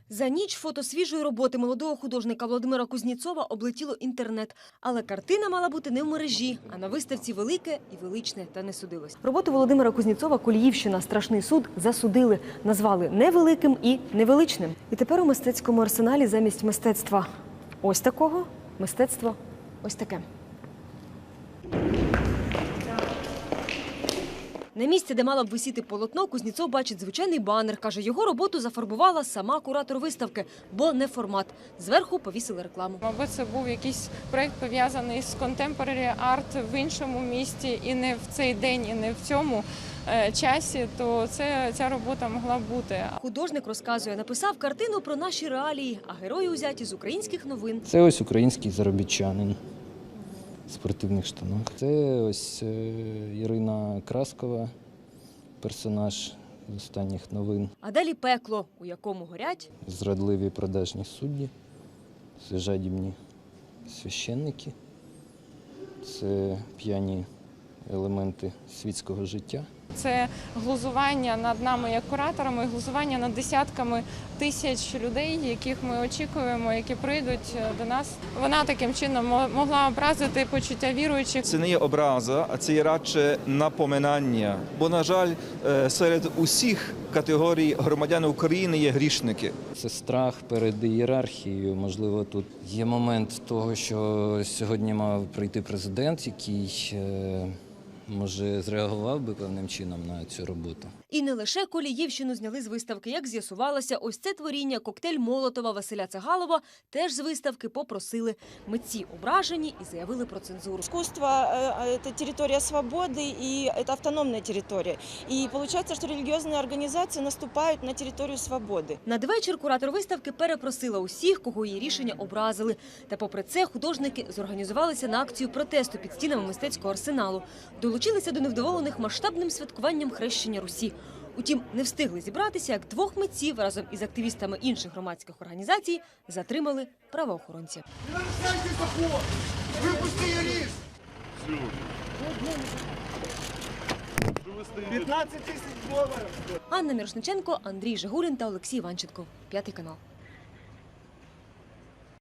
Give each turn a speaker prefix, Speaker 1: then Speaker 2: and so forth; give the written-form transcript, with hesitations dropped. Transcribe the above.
Speaker 1: За ніч фото свіжої роботи молодого художника Володимира Кузнєцова облетіло інтернет. Але картина мала бути не в мережі, а на виставці «Велике і величне» та не судилось. Роботу Володимира Кузнєцова «Коліївщина. Страшний суд» засудили. Назвали невеликим і невеличним. І тепер у мистецькому арсеналі замість мистецтва ось такого, мистецтво ось таке. На місці, де мала б висіти полотно, Кузнєцов бачить звичайний банер. Каже, його роботу зафарбувала сама куратор виставки, бо не формат. Зверху повісили рекламу.
Speaker 2: Мабуть, це був якийсь проєкт, пов'язаний з contemporary art в іншому місті, і не в цей день, і не в цьому часі, то ця робота могла бути.
Speaker 1: Художник розказує, написав картину про наші реалії, а герої узяті з українських новин.
Speaker 3: Це ось український заробітчанин в спортивних штанах. Це ось Ірина Краскова, персонаж з останніх новин.
Speaker 1: А далі пекло, у якому горять
Speaker 3: Зрадливі продажні судді, це жадібні священники, це п'яні елементи світського життя.
Speaker 2: Це глузування над нами як кураторами, глузування над десятками тисяч людей, яких ми очікуємо, які прийдуть до нас. Вона таким чином могла образити почуття віруючих.
Speaker 4: Це не є образа, а це є радше напоминання. Бо, на жаль, серед усіх категорій громадян України є грішники.
Speaker 3: Це страх перед ієрархією. Можливо, тут є момент того, що сьогодні мав прийти президент, який може, зреагував би певним чином на цю роботу.
Speaker 1: І не лише Коліївщину зняли з виставки. Як з'ясувалося, ось це творіння «Коктейль Молотова» Василя Цагалова теж з виставки попросили. Митці ображені і заявили про цензуру.
Speaker 5: Искусство – это территория свободы, и это автономная территория. И получается, что религиозные организации наступают на территорию свободы.
Speaker 1: Надвечір куратор виставки перепросила усіх, кого її рішення образили. Та попри це художники зорганізувалися на акцію протесту під стінами мистецького арсеналу. Долучилися до невдоволених масштабним святкуванням хрещення Русі. Утім, не встигли зібратися, як двох митців разом із активістами інших громадських організацій затримали правоохоронці.
Speaker 6: Випусти юрист! 15 тисяч доларів!
Speaker 1: Анна Мірошниченко, Андрій Жигурін та Олексій Іванченко. 5 канал.